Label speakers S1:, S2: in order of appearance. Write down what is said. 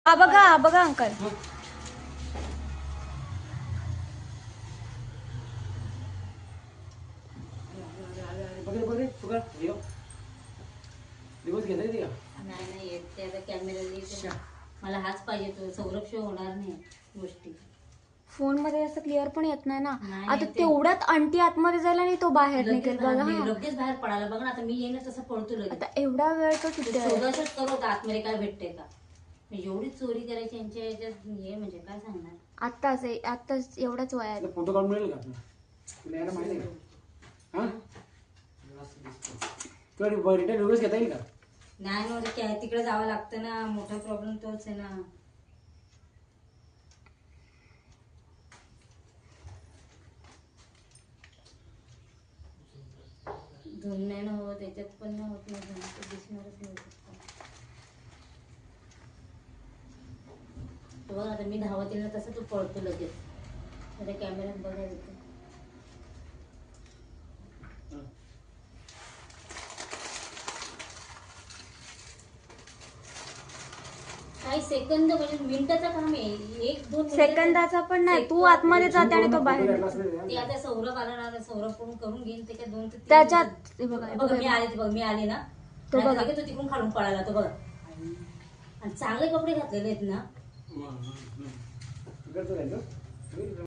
S1: बघा बघा अंकल.
S2: नाही येत ते आता कॅमेरा मला हाच पाहिजे तो सौरभ शिवाय होणार नाही गोष्टी.
S1: फोन मध्ये असं क्लिअर पण येत नाही ना.
S2: नाही,
S1: आता
S2: ते-
S1: तेवढ्यात आंटी आतमध्ये जायला आणि तो बाहेर निघेल बघा.
S2: लगेच बाहेर पडायला बघ ना. आता मी येईन तसं पळतो लगेच.
S1: आता एवढा वेळ तो किती आहे?
S2: शोधाशोध करू होता आतमध्ये काय भेटते का. एवढी चोरी करायची यांच्या याच्यात हे म्हणजे काय सांगणार.
S1: आताच एवढाच वयात.
S3: फोटो काढून मिळेल का तुला यायला माहिती आहे का? हा तुला रिटर्न व्हिडिओज घेता येईल का?
S2: नाही म्हणजे काय तिकडे जावं लागतं ना. मोठा प्रॉब्लेम तोच आहे ना. धुन नाही ना होत त्याच्यात पण नाही होत नाही धुन. ते दिसणारच नाही फक्त. बघ आता मी धावत येईल ना तसं तू पळतो लगेच. आता कॅमेऱ्यात बघायला येतं. काही सेकंद म्हणजे मिनिटाचं काम आहे. 1-2
S1: सेकंदाचा पण नाही. तू आतमध्ये जाते आणि तो बाहेर निघतो.
S2: ते आता सौरभ आला ना. सौरभ कडून करून घेईन त्याच्यात 2 ते 3
S1: त्याच्यात हे बघा
S2: बघ मी आले बघ मी आले ना.
S1: तो
S2: नाही
S1: बघा.
S2: तर तो तिकडून खालून पळाला तो बघा. आणि चांगले कपडे घातलेले आहेत ना.